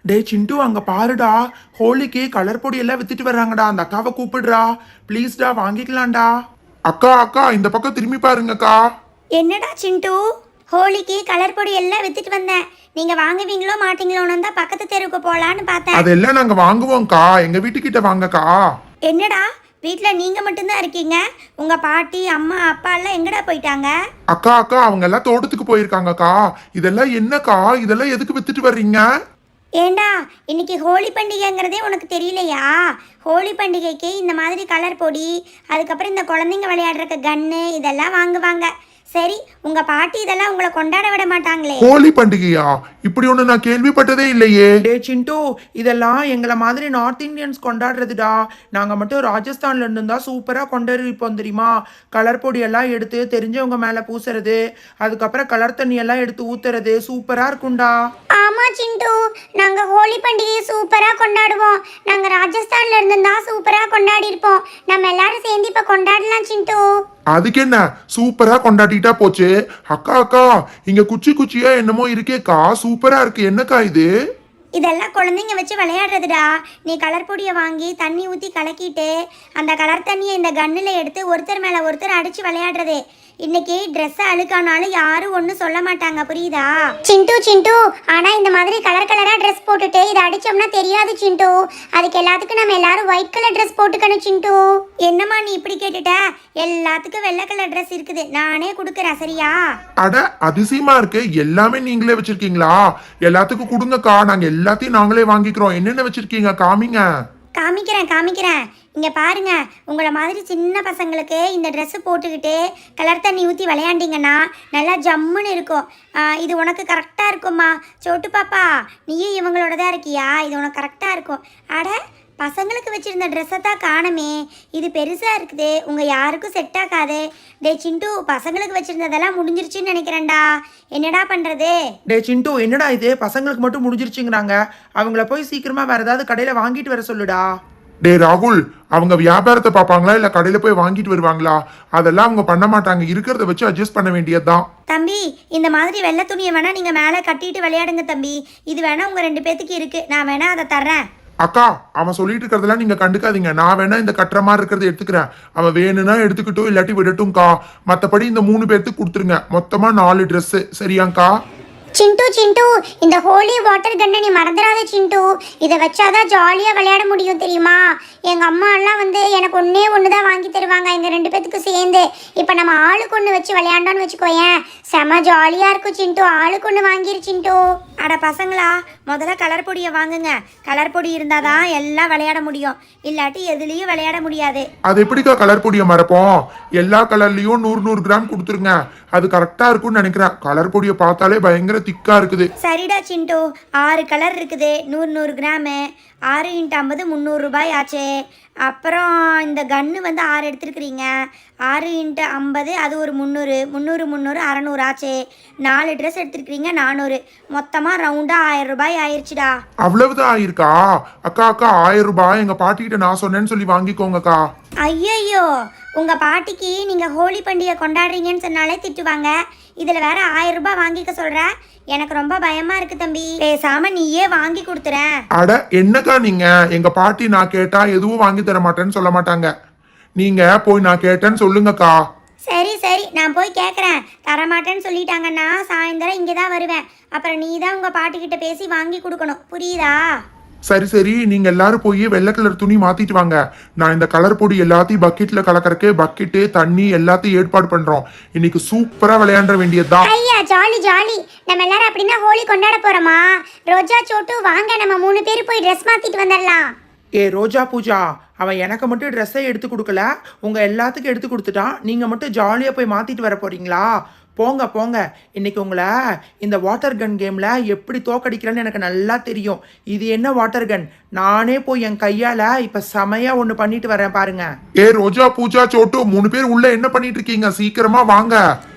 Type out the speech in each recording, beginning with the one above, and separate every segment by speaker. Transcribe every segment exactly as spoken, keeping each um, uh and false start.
Speaker 1: டே சிண்டு அங்க பாருடா, ஹோலிக்கு கலர் பொடி எல்லாம் வித்துட்டு வர்றாங்கடா. அந்த அக்காவை கூப்பிடுறா ப்ளீஸ்டா, வாங்கிக்கலாம்டா. அக்கா அக்கா இந்த பக்கம் திரும்பி பாருங்கக்கா.
Speaker 2: என்னடா சிண்டு, ஹோலிக்கு கலர் பொடி எல்லாம் வித்துட்டு வந்தேன். நீங்க வாங்குவீங்களோ மாட்டீங்களோன்னு தான் பக்கத்து தெருவுக்கு போலான்னு பார்த்தேன்.
Speaker 1: அதெல்லாம் நாங்க வாங்குவோம்க்கா, எங்க வீட்டுக்கிட்ட வாங்கக்கா.
Speaker 2: என்னடா வீட்ல நீங்க மட்டும்தான் இருக்கீங்க? உங்க பாட்டி அம்மா அப்பா எல்லாம் எங்கடா போயிட்டாங்க?
Speaker 1: அக்கா அக்கா அவங்க எல்லாம் தோட்டத்துக்கு போயிருக்காங்கக்கா. இதெல்லாம் என்னக்கா, இதெல்லாம் எதுக்கு வித்துட்டு வர்றீங்க?
Speaker 2: ஏண்டா இன்னைக்கு ஹோலி பண்டிகைங்கிறதே உனக்கு தெரியலையா? ஹோலி பண்டிகைக்கு இந்த மாதிரி கலர் பொடி, அதுக்கப்புறம் இந்த குழந்தைங்க விளையாடுறக்க கன்னு இதெல்லாம் வாங்குவாங்க. சரி, உங்க பாட்டி இதெல்லாம் உங்களை கொண்டாட விட மாட்டாங்களே.
Speaker 1: ஹோலி பண்டிகையா? இப்படி ஒண்ணு நான் கேள்விப்பட்டதே இல்லையே. டே சிண்டு, இதெல்லாம் எங்களை மாதிரி நார்த் இந்தியன்ஸ் கொண்டாடுறதுடா. நாங்க மட்டும் ராஜஸ்தான்ல இருந்து தான் சூப்பரா கொண்டாடிப்போம் தெரியுமா? கலர் பொடி எல்லாம் எடுத்து தெரிஞ்சவங்க மேல பூசுறது, அதுக்கப்புறம் கலர் தண்ணி எல்லாம் எடுத்து ஊத்துறது சூப்பரா இருக்கும்டா.
Speaker 2: ஆமா சிண்டு, நாங்க ஹோலி பண்டிகையை சூப்பரா கொண்டாடுவோம். நாங்க ராஜஸ்தான்ல இருந்து தான் சூப்பரா கொண்டாடி இருப்போம். நம்ம எல்லாரும் சேர்ந்து இப்ப கொண்டாடலாம் சிண்டு.
Speaker 1: அதுக்கு என்ன, சூப்பரா கொண்டாடிட்டா போச்சு. அக்கா அக்கா இங்க குச்சி குச்சியா என்னமோ இருக்கேக்கா, சூப்பரா இருக்கு. என்னக்கா இது?
Speaker 2: இதெல்லாம் குழந்தைங்க வச்சு விளையாடுறதுடா. நீ கலர் பொடியை வாங்கி தண்ணி ஊற்றி கலக்கிட்டு அந்த கலர் தண்ணியை இந்த கன்னில் எடுத்து ஒருத்தர் மேலே ஒருத்தர் அடித்து விளையாடுறது. இன்னைக்கு ட்ரெஸ் அழுக்கானாலும் யாரும் ஒன்றும் சொல்ல மாட்டாங்க, புரியுதா? சிண்டு சிண்டு, ஆனால் இந்த மாதிரி கலர் கலராக ட்ரெஸ் போட்டுட்டு இதை அடித்தோம்னா தெரியாது சிண்டு. அதுக்கு எல்லாத்துக்கும் நம்ம எல்லாரும் ஒயிட் கலர் ட்ரெஸ் போட்டுக்கணும் சிண்டு. என்னம்மா நீ இப்படி கேட்டுட்ட? எல்லாத்துக்கும் வெள்ளை கலர் ட்ரெஸ் இருக்குது, நானே கொடுக்குறேன், சரியா?
Speaker 1: அட அதிசயமா இருக்கு. எல்லாமே நீங்களே வச்சிருக்கீங்களா? எல்லாத்துக்கும் கொடுங்கக்கா, நாங்க எல்லாத்தையும் நாங்களே வாங்கிக்கிறோம். என்னென்ன வச்சிருக்கீங்க காமிங்க.
Speaker 2: காமிக்கிறேன் காமிக்கிறேன் இங்கே பாருங்க. உங்களை மாதிரி சின்ன பசங்களுக்கு இந்த ட்ரெஸ்ஸு போட்டுக்கிட்டு கலர் தண்ணி ஊற்றி விளையாண்டிங்கன்னா நல்லா ஜம்முன்னு இருக்கும். இது உனக்கு கரெக்டாக இருக்கும்மா. சோட்டு பாப்பா, நீயும் இவங்களோட தான் இருக்கியா? இது உனக்கு கரெக்டாக இருக்கும். அட, பசங்களுக்கு வச்சுருந்த ட்ரெஸ்ஸை தான் காணுமே. இது பெருசாக இருக்குது, உங்கள் யாருக்கும் செட் ஆகாது. டே சிண்டு, பசங்களுக்கு வச்சுருந்ததெல்லாம் முடிஞ்சிருச்சுன்னு நினைக்கிறேன்டா. என்னடா பண்ணுறது?
Speaker 3: டே சிண்டு, என்னடா இது பசங்களுக்கு மட்டும் முடிஞ்சிருச்சுங்கிறாங்க? அவங்கள போய் சீக்கிரமாக வேறு ஏதாவது கடையில் வாங்கிட்டு வர சொல்லுடா.
Speaker 1: டே ராகுல், அவங்க வியாபாரத்தை பார்ப்பாங்களா இல்லை கடையில் போய் வாங்கிட்டு வருவாங்களா? அதெல்லாம் அவங்க பண்ண மாட்டாங்க. இருக்கிறத வச்சு அட்ஜஸ்ட் பண்ண வேண்டியதுதான்.
Speaker 2: தம்பி, இந்த மாதிரி வெள்ளை துணியை வேணா நீங்கள் மேலே கட்டிட்டு விளையாடுங்க தம்பி. இது வேணா உங்கள் ரெண்டு பேத்துக்கு இருக்குது, நான் வேணா அதை தர்றேன்.
Speaker 1: அக்கா, அவன் சொல்லிட்டு இருக்கிறதெல்லாம் நீங்க கண்டுக்காதீங்க. நான் வேணா இந்த கட்டுற மாதிரி இருக்கிறத எடுத்துக்கிறேன். அவன் வேணும்னா எடுத்துக்கிட்டும், இல்லாட்டி விடட்டும்க்கா. மற்றபடி இந்த மூணு பேர்த்துக்கு கொடுத்துருங்க. மொத்தமா நாலு ட்ரெஸ், சரியாங்க்கா?
Speaker 2: சிண்டு சிண்டு, இந்த ஹோலி வாட்டர் கன்னை நீ மறந்துடாத சிண்டு. இதை வச்சாதான் ஜாலியாக விளையாட முடியும் தெரியுமா? எங்கள் அம்மா எல்லாம் வந்து எனக்கு ஒன்றே ஒன்று தான் வாங்கி தருவாங்க எங்கள் ரெண்டு பேத்துக்கும் சேர்ந்து. இப்போ நம்ம ஆளுக்கு ஒன்று வச்சு விளையாண்டோன்னு வச்சுக்கோயேன், செம ஜாலியாக இருக்கும் சிண்டு. ஆளுக்கு ஒன்று வாங்கிரு சிண்டு. அட பசங்களா, முதல்ல கலர் பொடியை வாங்குங்க. கலர் பொடி இருந்தால் தான் எல்லாம் விளையாட முடியும், இல்லாட்டி எதுலேயும் விளையாட முடியாது.
Speaker 1: அது எப்படிக்கா கலர் பொடியை மறப்போம்? எல்லா கலர்லையும் நூறு நூறு கிராம் கொடுத்துருங்க. அது கரெக்டாக இருக்கும்னு நினைக்கிறேன். கலர் பொடியை பார்த்தாலே பயங்கர திக்கா இருக்குது.
Speaker 2: சரிடா சிண்டு, ஆறு கலர் இருக்குது, நூறு நூறு கிராமு. ஆறு இன்ட்டு ஐம்பது முந்நூறு ரூபாய் ஆச்சு. அப்புறம் இந்த கன்று வந்து ஆறு எடுத்துருக்குறீங்க. ஆறு இன்ட்டு ஐம்பது அது ஒரு முந்நூறு, முந்நூறு முந்நூறு அறநூறு ஆச்சு. நாலு ட்ரெஸ் எடுத்துருக்கிறீங்க, நானூறு. மொத்தமாக ரவுண்டாக ஆயிரம் ரூபாய் ஆயிடுச்சுடா.
Speaker 1: அவ்வளவுதான் ஆயிருக்கா? அக்கா அக்கா, ஆயிரம் ரூபாய் எங்க பாட்டிக்கிட்ட நான் சொன்னேன்னு சொல்லி வாங்கிக்கோங்கக்கா.
Speaker 2: ஐயோ, உங்கள் பாட்டிக்கு நீங்கள் ஹோலி பண்டிகை கொண்டாடுறீங்கன்னு சொன்னாலே திட்டுவாங்க. இதில் வேற ஆயிரம் ரூபாய் வாங்கிக்க சொல்கிற? எனக்கு ரொம்ப பயமா இருக்கு தம்பி. பேசாம நீயே வாங்கி கொடுத்துறேன்.
Speaker 1: அட என்னக்கா நீங்க? எங்க பாட்டி நான் கேட்டா எதுவும் வாங்கி தர மாட்டேன்னு சொல்ல மாட்டாங்க. நீங்க போய் நான் கேட்டேன்னு சொல்லுங்கக்கா.
Speaker 2: சரி சரி, நான் போய் கேட்குறேன். தரமாட்டேன்னு சொல்லிட்டாங்கன்னா சாயந்தரம் இங்கே தான் வருவேன். அப்புறம் நீ தான் உங்கள் பாட்டிக்கிட்ட பேசி வாங்கி கொடுக்கணும், புரியுதா?
Speaker 1: சரி சரி, நீங்க எல்லாரும் போய் வெள்ளை கலர் துணி மாத்திட்டு வாங்க. நான் இந்த கலர் பொடி எல்லாத்தையும் பக்கெட்ல கலக்கறக்கு பக்கெட்டு தண்ணி எல்லாத்தையும் ஏற்பாடு பண்றோம். இன்னைக்கு சூப்பரா விளையாட வேண்டியதுதான்.
Speaker 2: ஐயா ஜாலி ஜாலி. நம்ம எல்லாரும் அப்படின்னா ஹோலி கொண்டாட போறோமா? ரோஜா சோட்டு வாங்க, நம்ம மூணு பேர் போய் ட்ரெஸ் மாத்திட்டு வந்துடலாம்.
Speaker 3: ஏ ரோஜா பூஜா, அவன் எனக்கு மட்டும் ட்ரெஸ்ஸை எடுத்து கொடுக்கல, உங்கள் எல்லாத்துக்கும் எடுத்து கொடுத்துட்டான். நீங்கள் மட்டும் ஜாலியாக போய் மாற்றிட்டு வர போகிறீங்களா? போங்க போங்க. இன்னைக்கு உங்களை இந்த வாட்டர் கன் கேமில் எப்படி தோக்கடிக்கிறேன்னு எனக்கு நல்லா தெரியும். இது என்ன வாட்டர் கன்? நானே போய் என் கையால் இப்போ செமையாக ஒன்று பண்ணிட்டு வரேன் பாருங்க.
Speaker 1: ஏ ரோஜா பூஜா சோட்டு, மூணு பேர் உள்ள என்ன பண்ணிட்டு இருக்கீங்க? சீக்கிரமா வாங்க.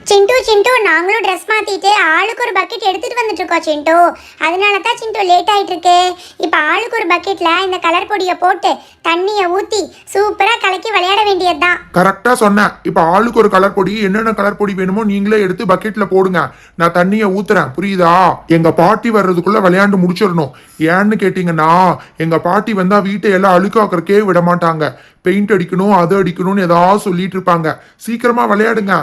Speaker 2: சிண்டு சிண்டு நாங்களும் ட்ரெஸ் மாத்திட்டு ஆளுக்கு ஒரு பக்கெட் எடுத்துட்டு வந்துட்டு இருக்கோம் சிண்டு. அதனால தான் சிண்டு லேட் ஆயிட்டு இருக்கு. இப்போ ஆளுக்கு ஒரு பக்கெட்ல இந்த கலர் பொடியை போட்டு தண்ணியை ஊத்தி சூப்பரா கலக்கி விளையாட வேண்டியதுதான்.
Speaker 4: கரெக்டா சொன்னேன். இப்ப ஆளுக்கு ஒரு கலர் பொடி, என்னென்ன கலர் பொடி வேணுமோ நீங்களே எடுத்து பக்கெட்ல போடுங்க. நான் தண்ணியை ஊத்துறேன், புரியுதா? எங்க பாட்டி வர்றதுக்குள்ள விளையாண்டு முடிச்சிடணும். ஏன்னு கேட்டீங்கன்னா எங்க பாட்டி வந்தா வீட்டை எல்லாம் அழுக்காக்குறக்கே விட மாட்டாங்க. பெயிண்ட் அடிக்கணும், அது அடிக்கணும்னு ஏதாவது சொல்லிட்டு இருப்பாங்க. சீக்கிரமா விளையாடுங்க.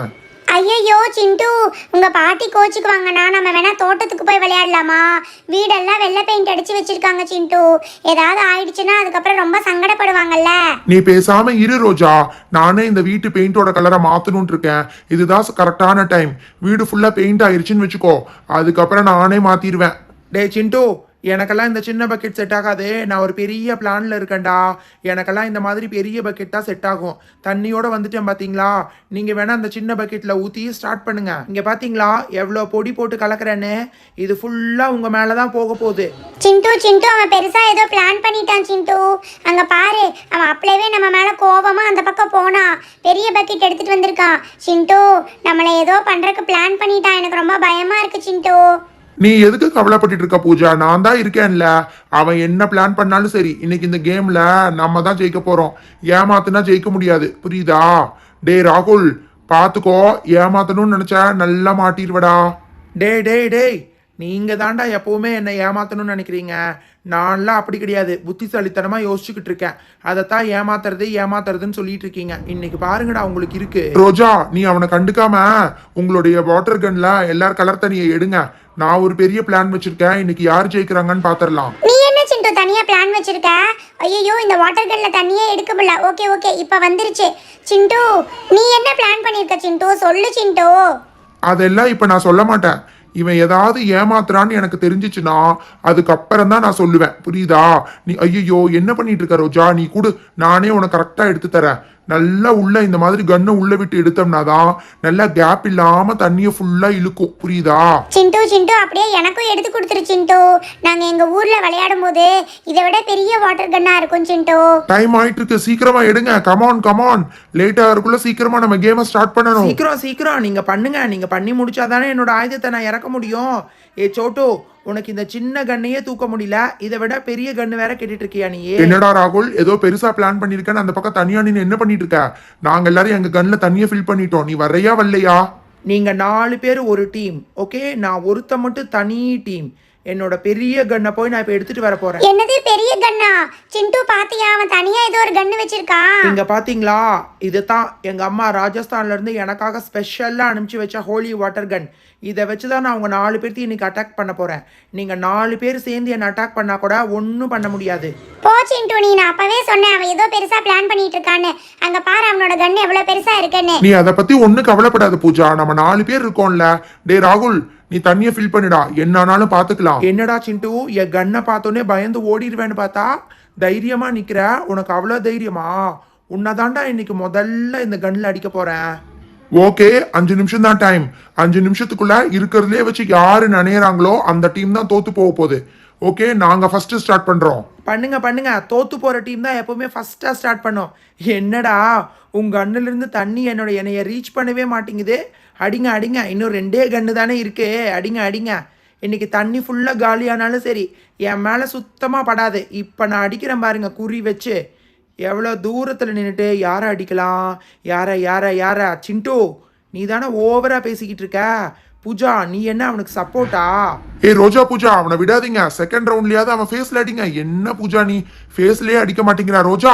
Speaker 2: ஐயோ சிண்டு, உங்க பாட்டி கோச்சுக்குவாங்கண்ணா. நம்ம வேணா தோட்டத்துக்கு போய் விளையாடலாமா? வீடெல்லாம் வெள்ளை பெயிண்ட் அடிச்சு வச்சிருக்காங்க சிண்டு. ஏதாவது ஆயிடுச்சுன்னா அதுக்கப்புறம் ரொம்ப சங்கடப்படுவாங்கல்ல.
Speaker 4: நீ பேசாம இரு ரோஜா. நானே இந்த வீட்டு பெயிண்டோட கலரை மாத்தணும்னு இருக்கேன். இதுதான் கரெக்டான டைம். வீடு ஃபுல்லா பெயிண்ட் ஆயிருச்சுன்னு வச்சுக்கோ, அதுக்கப்புறம் நானே மாத்திடுவேன்.
Speaker 3: டே சிண்டு, எனக்கெல்லாம் இந்த சின்ன பக்கெட் செட் ஆகாது. நான் ஒரு பெரிய பிளான்ல இருக்கேன்டா. எனக்கெல்லாம் இந்த மாதிரி பெரிய பக்கெட் தான் செட் ஆகும். தண்ணியோட வந்துட்டேன் பாத்தீங்களா? நீங்க வேணா அந்த சின்ன பக்கெட்ல ஊத்தி ஸ்டார்ட் பண்ணுங்க. இங்க பாத்தீங்களா எவ்வளோ பொடி போட்டு கலக்குறேன்னு? இது ஃபுல்லா உங்க மேலதான் போக போகுது.
Speaker 2: சிண்டு சிண்டு அவன் பெருசா ஏதோ பிளான் பண்ணிட்டான் சிண்டு. அங்க பாரு, அவன் அப்பளவே நம்ம மேல கோவமா அந்த பக்கம் போனா பெரிய பக்கெட் எடுத்துட்டு வந்திருக்கான். சிண்டு நம்மளை ஏதோ பண்றதுக்கு பிளான் பண்ணிட்டான். எனக்கு ரொம்ப பயமா இருக்கு சிண்டு.
Speaker 4: நீ எதுக்கு கவலைப்பட்டு இருக்க பூஜா? நான் தான் இருக்கேன்ல. அவன் என்ன பிளான் பண்ணாலும் சரி, இன்னைக்கு இந்த கேம்ல நம்ம தான் ஜெயிக்க போறோம். ஏமாத்துனா ஜெயிக்க முடியாது, புரியுதா? டே ராகுல், பாத்துக்கோ. ஏமாத்தணும்னு நினைச்சா நல்லா மாட்டிடுவடா.
Speaker 3: டேய் டேய் டேய், நீங்க தாண்டா எப்பவுமே என்னை ஏமாத்தணும்னு நினைக்கிறீங்க. நான்லாம் அப்படி கிடையாது. புத்திசாலித்தனமா யோசிச்சுக்கிட்டு இருக்கேன். அதைத்தான் ஏமாத்துறது ஏமாத்துறதுன்னு சொல்லிட்டு இருக்கீங்க. இன்னைக்கு பாருங்கடா உங்களுக்கு இருக்கு.
Speaker 4: ரோஜா, நீ அவனை கண்டுக்காம உங்களுடைய வாட்டர் கன்ல எல்லாரும் கலர் தண்ணியை எடுங்க. நான் ஒரு பெரிய பிளான் வச்சிருக்கேன். இன்னைக்கு யார் ஜெயிக்கிறாங்கன்னு பாத்திரலாம்.
Speaker 2: நீ என்ன சிண்டு தனியா பிளான் வச்சிருக்க? ஐயோ, இந்த வாட்டர் கன்ல தண்ணியே எடுக்க முடியல. ஓகே ஓகே, இப்ப வந்துருச்சு. சிண்டு நீ என்ன பிளான் பண்ணிருக்க சிண்டு? சொல்லு சிண்டு.
Speaker 4: அதெல்லாம் இப்ப நான் சொல்ல மாட்டேன். இவன் ஏதாவது ஏமாத்துறான்னு எனக்கு தெரிஞ்சிச்சுன்னா அதுக்கப்புறம் தான் நான் சொல்லுவேன், புரியுதா? நீ ஐயோ என்ன பண்ணிட்டு இருக்க ரோஜா? நீ கூட நானே உனக்கு கரெக்டா எடுத்து தரேன். நல்லா உள்ள இந்த மாதிரி கண்ணை உள்ள விட்டு எடுத்தோம்னா தான் நல்லா கேப் இல்லாம தண்ணியை ஃபுல்லா இழுக்கும், புரியுதா?
Speaker 2: சிண்டு சிண்டு அப்படியே எனக்கும் எடுத்து கொடுத்துரு சிண்டு. நாங்க எங்க ஊர்ல விளையாடும் போது இதை விட பெரிய வாட்டர் கன்னா இருக்கும் சிண்டு.
Speaker 4: டைம் ஆயிட்டு இருக்கு, சீக்கிரமா எடுங்க. கமான் கமான், லேட் ஆகிறதுக்குள்ள சீக்கிரமா நம்ம கேமை ஸ்டார்ட் பண்ணணும்.
Speaker 3: சீக்கிரம் சீக்கிரம் நீங்க பண்ணுங்க. நீங்க பண்ணி முடிச்சாதானே என்னோட ஆயுதத்தை நான் இறக்க முடியும். ஏ சோட்டு, உனக்கு இந்த சின்ன கண்ணையே தூக்க முடியல, இதை விட பெரிய கண்ணு வேற கேட்டுட்டு இருக்கியா நீ?
Speaker 4: என்னடா ராகுல், ஏதோ பெருசா பிளான் பண்ணிருக்கேன்னு அந்த பக்கம் தனியா நீ என்ன பண்ணிட்டு இருக்க? நாங்க எல்லாரும் எங்க கண்ணுல தண்ணியை ஃபில் பண்ணிட்டோம். நீ வர்றையா வரலையா?
Speaker 3: நீங்க நாலு பேர் ஒரு டீம், ஓகே? நான் ஒருத்த மட்டும் தனி டீம். என்னோட பெரிய கண்ணை போய் நான் இப்ப எடுத்துட்டு வர போறேன்.
Speaker 2: என்னது பெரிய கன்னா? சிண்டு பாத்தியா, அவன் தனியா ஏதோ ஒரு கன்னு வச்சிருக்கான்.
Speaker 3: இங்க பாத்தீங்களா? இதுதான் எங்க அம்மா ராஜஸ்தான்ல இருந்து எனக்காக ஸ்பெஷலா அனுப்பிச்சு வச்ச ஹோலி வாட்டர் கன். இதை வச்சுதான் நான் அவங்க நாலு பேர்த்தையும் இன்னைக்கு அட்டாக் பண்ண போறேன். நீங்க நாலு பேர் சேர்ந்து என்ன அட்டாக் பண்ணா கூட ஒன்னும் பண்ண முடியாது.
Speaker 2: போ சிண்டு, நீ நான் அப்பவே சொன்னேன் அவன் ஏதோ பெருசா பிளான் பண்ணிட்டு இருக்கான்னு. அங்க பாரு அவனோட கன்னு எவ்வளவு பெருசா இருக்குன்னு.
Speaker 4: நீ அதை பத்தி ஒன்னும் கவலைப்படாத பூஜா. நம்ம நாலு பேர் இருக்கோம்ல. டே ராகுல், நீ தண்ணியை ஃபில் பண்ணிடா, என்னானாலும் பாத்துக்கலாம்.
Speaker 3: என்னடா சிண்டு, என் கண்ணை பார்த்தோன்னே பயந்து ஓடிடுவேன்னு பார்த்தா தைரியமா நிக்கிற. உனக்கு அவ்வளவு தைரியமா? உன்னதாண்டா இன்னைக்கு முதல்ல இந்த கன்ல அடிக்க போறேன்.
Speaker 4: ஓகே, அஞ்சு நிமிஷம் தான் டைம். அஞ்சு நிமிஷத்துக்குள்ள இருக்கிறதுலே வச்சு யாரு நினைறாங்களோ அந்த டீம் தான் தோத்து போக போகுது. ஓகே, நாங்க ஃபர்ஸ்ட் ஸ்டார்ட் பண்றோம்.
Speaker 3: பண்ணுங்க பண்ணுங்க. தோத்து போற டீம் தான் எப்பவுமே ஃபர்ஸ்டா ஸ்டார்ட் பண்ணும். என்னடா உங்க கண்ணுல இருந்து தண்ணி என்னோட என்னைய ரீச் பண்ணவே மாட்டேங்குது. அடிங்க அடிங்க, இன்னும் ரெண்டே கண்ணு தானே இருக்கு. அடிங்க அடிங்க. இன்னைக்கு தண்ணி ஃபுல்லா காலியானாலும் சரி என் மேல சுத்தமா படாது. இப்ப நான் அடிக்கிறேன் பாருங்க குறி வச்சு. எவ்வளோ தூரத்தில் நின்றுட்டு யாரை அடிக்கலாம்? யாரை யாரை யாரை? சிண்டு, நீ தானே ஓவரா பேசிக்கிட்டு இருக்க. பூஜா, நீ என்ன அவனுக்கு சப்போர்ட்டா?
Speaker 4: ஏ ரோஜா பூஜா, அவனை விடாதீங்க. செகண்ட் ரவுண்ட்லயாவது அவன் ஃபேஸ்ல அடிங்க. என்ன பூஜா நீ ஃபேஸ்லயே அடிக்க மாட்டேங்கிறா? ரோஜா,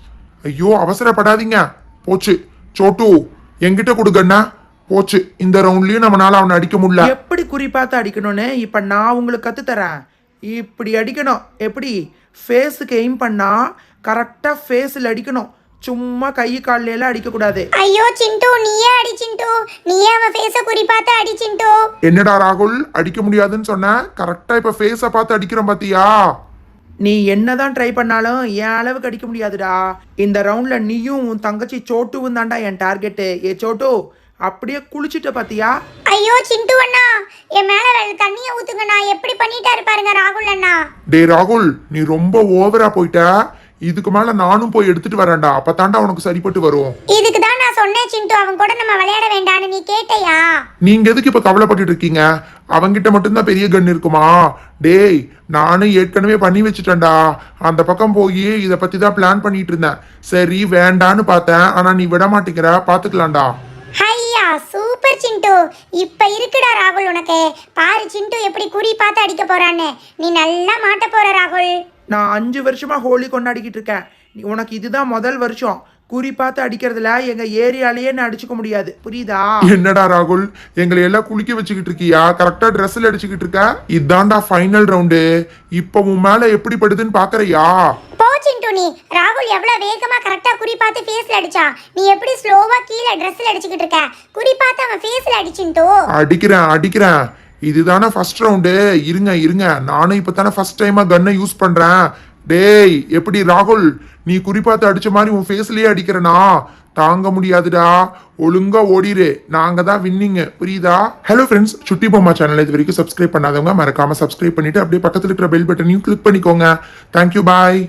Speaker 4: ஐயோ அவசரப்படாதீங்க. போச்சு. சோட்டு, என்கிட்ட கொடுக்கண்ணா. போச்சு. இந்த ரவுண்ட்லயும் நம்மளால அவனை அடிக்க முடியல.
Speaker 3: எப்படி குறிப்பாத்து அடிக்கணும்னு இப்ப நான் உங்களுக்கு கத்து தரேன். இப்படி அடிக்கணும். எப்படி? ஃபேஸுக்கு எய்ம் பண்ணா கரெக்டா ஃபேஸில் அடிக்கணும். சும்மா கை கால்ல எல்லாம் அடிக்க கூடாது.
Speaker 2: ஐயோ சிண்டு, நீயே அடி சிண்டு. நீயே அவன் ஃபேஸ குறி பார்த்து அடி சிண்டு.
Speaker 4: என்னடா ராகுல், அடிக்க முடியாதுன்னு சொன்ன, கரெக்டா இப்ப ஃபேஸ பார்த்து அடிக்கிறோம் பாத்தியா?
Speaker 3: நீ என்னதான் ட்ரை பண்ணாலும் என் அளவுக்கு அடிக்க முடியாதுடா. இந்த ரவுண்ட்ல நீயும் உன் தங்கச்சி சோட்டுவும் தாண்டா என் டார்கெட்டு. ஏ சோட்டு, அப்படியே குளிச்சுட்ட பாத்தியா?
Speaker 2: ஐயோ சிண்டு அண்ணா, என் மேல தண்ணியை ஊத்துங்கண்ணா. எப்படி பண்ணிட்டாரு பாருங்க ராகுல் அண்ணா.
Speaker 4: டே ராகுல், நீ ரொம்ப ஓவரா போயிட்ட. இதுக்கு மேல நானும் போய் எடுத்துட்டு வரேன்டா, அப்பதான்டா உனக்கு சரிப்பட்டு வரும்.
Speaker 2: இதுக்கு தான் நான் சொன்னேன் சிண்டு, அவன் கூட நம்ம விளையாட வேண்டான்னு. நீ கேட்டையா?
Speaker 4: நீங்க எதுக்கு இப்ப கவலைப்பட்டுட்டு இருக்கீங்க? அவங்கிட்ட மட்டும்தான் பெரிய கன் இருக்குமா? டேய், நானும் ஏற்கனவே பண்ணி வச்சுட்டேன்டா. அந்த பக்கம் போய் இத பத்தி தான் பிளான் பண்ணிட்டு இருந்தேன். சரி வேண்டான்னு பார்த்தேன், ஆனா நீ விட மாட்டேங்கிற. பாத்துக்கலாம்டா.
Speaker 2: ஹையா சூப்பர் சிண்டு. இப்ப இருக்குடா ராகுல் உனக்கு. பாரு சிண்டு எப்படி குறி பார்த்து அடிக்க போறான்னு. நீ நல்லா மாட்ட போற ராகுல்.
Speaker 3: நான் அஞ்சு வருஷமா ஹோலி கொண்டாடிக்கிட்டு இருக்கேன். நீ உனக்கு இதுதான் முதல் வருஷம். குறி பார்த்து அடிக்கிறதுல எங்க ஏரியாலேயே நான் அடிச்சுக்க முடியாது, புரியுதா?
Speaker 4: என்னடா ராகுல், எங்களை எல்லாம் குளிக்க வச்சுக்கிட்டு இருக்கியா? கரெக்டா ட்ரெஸ்ல அடிச்சுக்கிட்டு இருக்க. இதான்டா ஃபைனல் ரவுண்டு. இப்ப உன் மேல எப்படி படுதுன்னு பாக்குறியா?
Speaker 2: போ சிண்டு நீ. ராகுல் எவ்வளவு வேகமா கரெக்டா குறி பார்த்து ஃபேஸ்ல அடிச்சா, நீ எப்படி ஸ்லோவா கீழே ட்ரெஸ்ல அடிச்சுக்கிட்டு இருக்க? குறி பார்த்து அவன் ஃபேஸ்ல அடிச்சிண்டு.
Speaker 4: அடிக்கிறேன் அடிக்கிறேன். இதுதானே ஃபர்ஸ்ட் ரவுண்டு. இருங்க இருங்க, நானும் இப்ப தானே ஃபர்ஸ்ட் டைமா கன்னை யூஸ் பண்றேன். டேய், எப்படி ராகுல், நீ குறிப்பாத்து அடிச்ச மாதிரி உன் ஃபேஸ்லயே அடிக்கிறனா? தாங்க முடியாதுடா. ஒழுங்கா ஓடிரு. நாங்க தான் வின்னிங், புரியுதா? ஹலோ ஃப்ரெண்ட்ஸ், சுட்டி பொம்மா சேனல் இது வரைக்கும் சப்ஸ்கிரைப் பண்ணாதவங்க மறக்காம சப்ஸ்கிரைப் பண்ணிட்டு அப்படியே பக்கத்துல இருக்கிற பெல் பட்டனையும் கிளிக் பண்ணிக்கோங்க. தேங்க்யூ, பாய்.